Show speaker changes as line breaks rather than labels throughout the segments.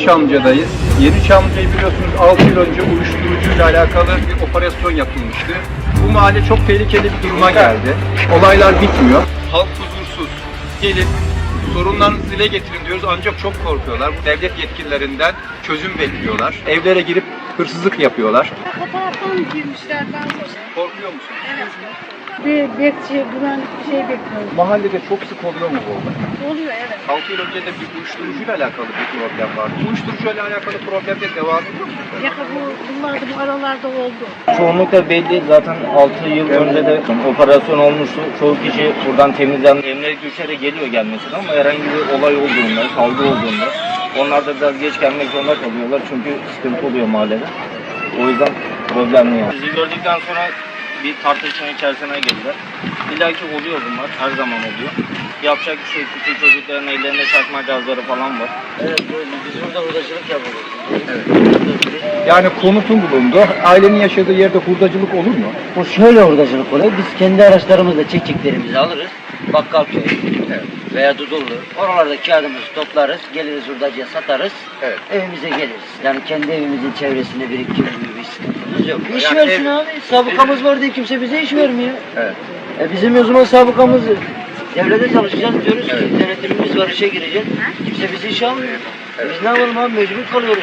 Yeniçamca'dayız. Yeniçamca'yı biliyorsunuz 6 yıl önce uyuşturucuyla alakalı bir operasyon yapılmıştı. Bu mahalle çok tehlikeli bir duruma geldi. Olaylar bitmiyor. Halk huzursuz. Gelin sorunlarınızı dile getirin diyoruz ancak çok korkuyorlar. Devlet yetkililerinden çözüm bekliyorlar. Evlere girip hırsızlık yapıyorlar.
Fotoğraftan girmişler ben sonra.
Korkuyor musun?
Evet. Bir bekçi, güvenlik bir şey bekliyoruz.
Mahallede çok sık oluyor mu bu olay?
Oluyor evet.
6 yıl önce de bir uyuşturucuyla alakalı bir problem vardı. Uyuşturucuyla alakalı problemde devam ediyor mu?
Bunlar da bu aralarda oldu.
Çoğunlukla belli zaten 6 yıl önce de operasyon olmuştu. Çoğu kişi buradan temizlendi. Emniyet güçleri geliyor gelmesine ama herhangi bir olay olduğunda, kavga olduğunda onlar da biraz geç gelmek zorunda kalıyorlar çünkü sıkıntı oluyor mahallede. O yüzden problemli yani. Bizi gördükten sonra bir tartışma içerisine girdiler. İlla ki oluyor bunlar, her zaman oluyor. Yapacak bir şey, küçük çocukların ellerinde çakma gazları falan var. Evet, biz burada hurdacılık yapıyoruz.
Evet. Yani konutun bulundu. Ailenin yaşadığı yerde hurdacılık olur mu?
O şöyle hurdacılık oluyor. Biz kendi araçlarımızla çekçeklerimizi alırız. Bakkalköy veya Dudullu. Oralarda kağıdımızı toplarız. Geliriz hurdacıya satarız.
Evet.
Evimize geliriz. Yani kendi evimizin çevresinde biriktirme gibi bir sıkıntımız yok. İş
Yani
versin abi. Sabıkamız var diye kimse bize iş vermiyor.
Evet.
Bizim o zaman sabıkamız devlete çalışacağız diyoruz ki denetimimiz var işe gireceğiz. Kimse bizi işe almıyor. Biz ne yapalım abi mecbur kalıyoruz.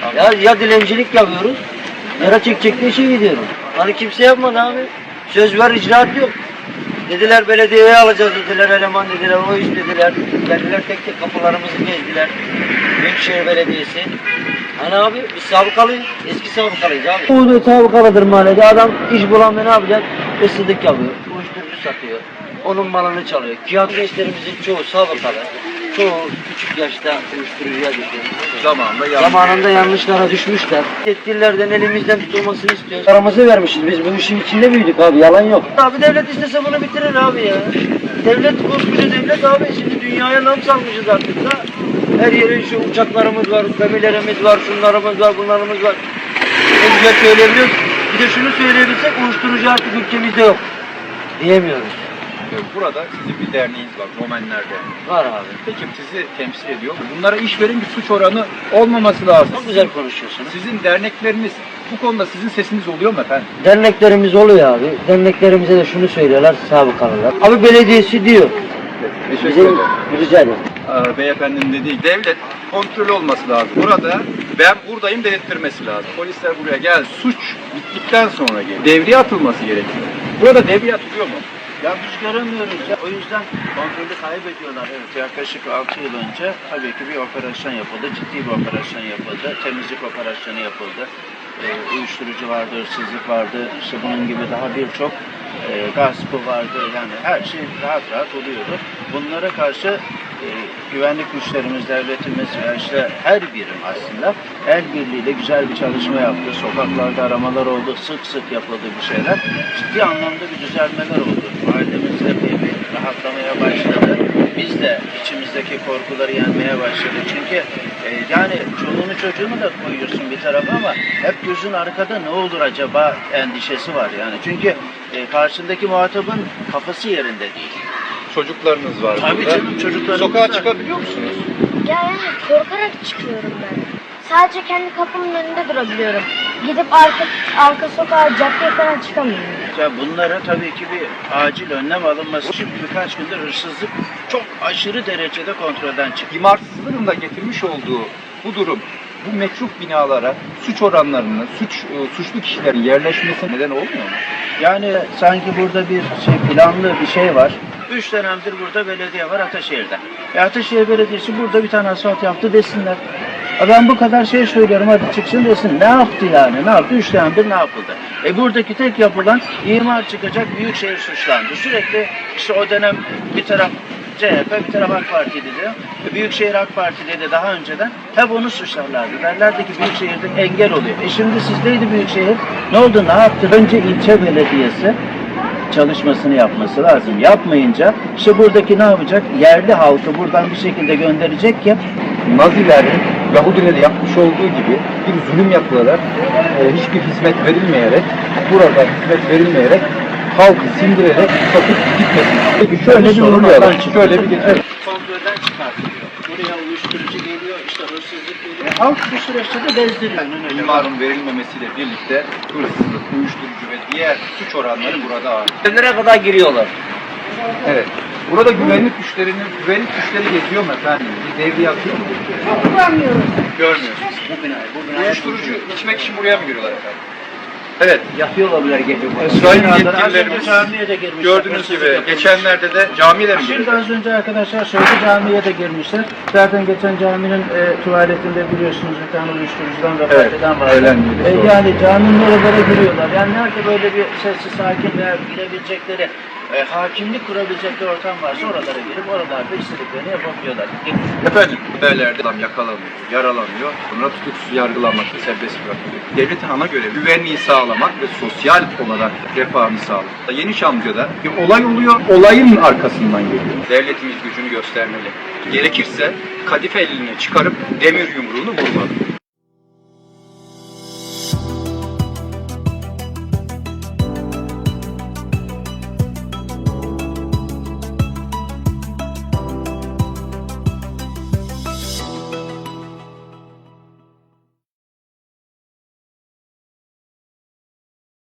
Ya dilencilik yapıyoruz ya da çekçekli işe gidiyoruz. Hani kimse yapmadı abi. Söz var icraat yok. Dediler belediyeye alacağız dediler eleman dediler o iş dediler. Geldiler tek tek kapılarımızı gezdiler. Büyükşehir Belediyesi. Hani abi biz sabıkalıyız. Eski sabıkalıyız abi. Bu sabıkalıdır mahallede. Adam iş bulamıyor ne yapacak? Hırsızlık yapıyor. Uyuşturucu satıyor. Onun malını çalıyor. Kağıt gençlerimizin çoğu sabıkalı. Çoğu küçük yaşta uyuşturucuya düşüyor. Zamanında yanlışlara düşmüşler. Yetkililerden elimizden tutulmasını istiyoruz. Paramızı vermişiz. Biz bu işin içinde büyüdük abi. Yalan yok. Abi devlet istese bunu bitirir abi ya. Devlet koskoca devlet abi. Şimdi dünyaya nam salmışız artık da. Her yerin şu uçaklarımız var, gemilerimiz var, şunlarımız var, bunlarımız var. En güzel söyleyebiliyoruz. Bir de şunu söyleyebilsek uyuşturucu artık ülkemizde yok. Diyemiyoruz.
Burada sizin bir derneğiniz var, Romenler Derneği.
Var abi.
Peki sizi temsil ediyor. Bunlara iş verin bir suç oranı olmaması lazım.
Çok güzel konuşuyorsunuz.
Sizin dernekleriniz bu konuda sizin sesiniz oluyor mu efendim?
Derneklerimiz oluyor abi. Derneklerimize de şunu söylüyorlar sabıkalılar. Abi belediyesi diyor.
Teşekkür
Bizim
ederim.
rica ederim.
Beyefendinin dediği devlet kontrolü olması lazım. Burada ben buradayım dedirtmesi lazım. Polisler buraya gel. Suç bittikten sonra gelir. Devriye atılması gerekiyor. Burada devriye atılıyor mu?
Ya biz göremiyoruz ya. O yüzden kontrolü kaybediyorlar. Evet, yaklaşık 6 yıl önce tabii ki bir operasyon yapıldı. Ciddi bir operasyon yapıldı. Temizlik operasyonu yapıldı. Uyuşturucu vardı, hırsızlık vardı. İşte bunun gibi daha birçok gaspı vardı. Yani her şey rahat rahat oluyordu. Bunlara karşı güvenlik güçlerimiz, devletimiz ve işte her birim aslında el birliğiyle güzel bir çalışma yaptı. Sokaklarda aramalar oldu, sık sık yapıldı bir şeyler. Ciddi anlamda bir düzelmeler oldu. Mahallemizde bir rahatlamaya başladı. Biz de içimizdeki korkuları yenmeye başladık. Çünkü yani çoluğunu çocuğunu da koyuyorsun bir tarafa ama hep gözün arkada ne olur acaba endişesi var yani. Çünkü karşındaki muhatabın kafası yerinde değil.
Çocuklarınız var
Tabii
burada.
canım, çocuklarımız
Sokağa
var.
çıkabiliyor musunuz?
Ya yani korkarak çıkıyorum ben. Sadece kendi kapımın önünde durabiliyorum. Gidip arka sokağa, caddeye falan çıkamıyorum.
Ya bunlara tabii ki bir acil önlem alınması. Şimdi birkaç gündür hırsızlık çok aşırı derecede kontrolden çıktı.
İmarsızlığın da getirmiş olduğu bu durum, bu meçhul binalara suç oranlarının, suçlu kişilerin yerleşmesi neden olmuyor mu?
Yani sanki burada bir planlı bir şey var. 3 dönemdir burada belediye var Ataşehir'de. Ataşehir Belediyesi burada bir tane asfalt yaptı desinler. Ben bu kadar şey söylüyorum hadi çıksın desin. Ne yaptı yani? Ne yaptı? 3 dönemdir ne yapıldı? Buradaki tek yapılan imar çıkacak Büyükşehir suçlandı. Sürekli işte o dönem bir taraf CHP bir taraf AK Parti'ydi diyor. Büyükşehir AK Parti'de de daha önceden hep onu suçlarlardı. Derlerdi ki Büyükşehir'de engel oluyor. Şimdi sizdeydi Büyükşehir. Ne oldu? Ne yaptı? Önce ilçe belediyesi çalışmasını yapması lazım. Yapmayınca işte buradaki ne yapacak? Yerli halkı buradan bir şekilde gönderecek ki
Nazilerin Yahudilere yapmış olduğu gibi bir zulüm yapılarak, hiçbir hizmet verilmeyerek, burada hizmet verilmeyerek halkı sindirerek satıp gitmesin. Peki şöyle bir
sorun
uğurlayalım.
oradan çıkıyor.
Şöyle bir geçelim.
kontrolden çıkartılıyor. Buraya uyuşturucu geliyor, işte hırsızlık güvensizlik geliyor. Halk bu süreçte de bezdiriyor.
İmarın verilmemesiyle birlikte hırsızlık, uyuşturucu ve diğer suç oranları burada ağır.
Evlere kadar giriyorlar.
Evet. Burada güvenlik güçleri geziyor mu efendim? Bir devriye atıyor mu?
Bulamıyoruz.
Görmüyorsunuz. Uyuşturucu içmek için buraya mı giriyorlar efendim? Evet.
Yatıyorlar bile gece.
Sayın
Az önce
yetkililerimiz
camiye de girmişler.
gördüğünüz
Hırsızlık
gibi
yapılmış.
geçenlerde de camiye mi
Şimdi
girdiler?
az önce arkadaşlar söyledi, camiye de girmişler. Zaten geçen caminin tuvaletinde biliyorsunuz bir tane uyuşturucudan vefat
Evet,
eden vardı.
ölen birisi oldu.
Yani caminin oralara giriyorlar. Yani nerede böyle bir sessiz, sakin veya girebilecekleri, hakimlik kurabilecekleri ortam varsa oralara girip oralarda istediklerini yapabiliyorlar.
Efendim, haberlerde adam yakalanıyor, yaralanıyor, sonra tutuksuz yargılanmakta serbest bırakılıyor. Devletin ana görevi güvenliği sağlamak ve sosyal olarak refahını sağlamak. Yeni Çamlıca'da bir olay oluyor, olayın arkasından geliyor. Devletimiz gücünü göstermeli. Gerekirse kadife elini çıkarıp demir yumruğunu vurmalı.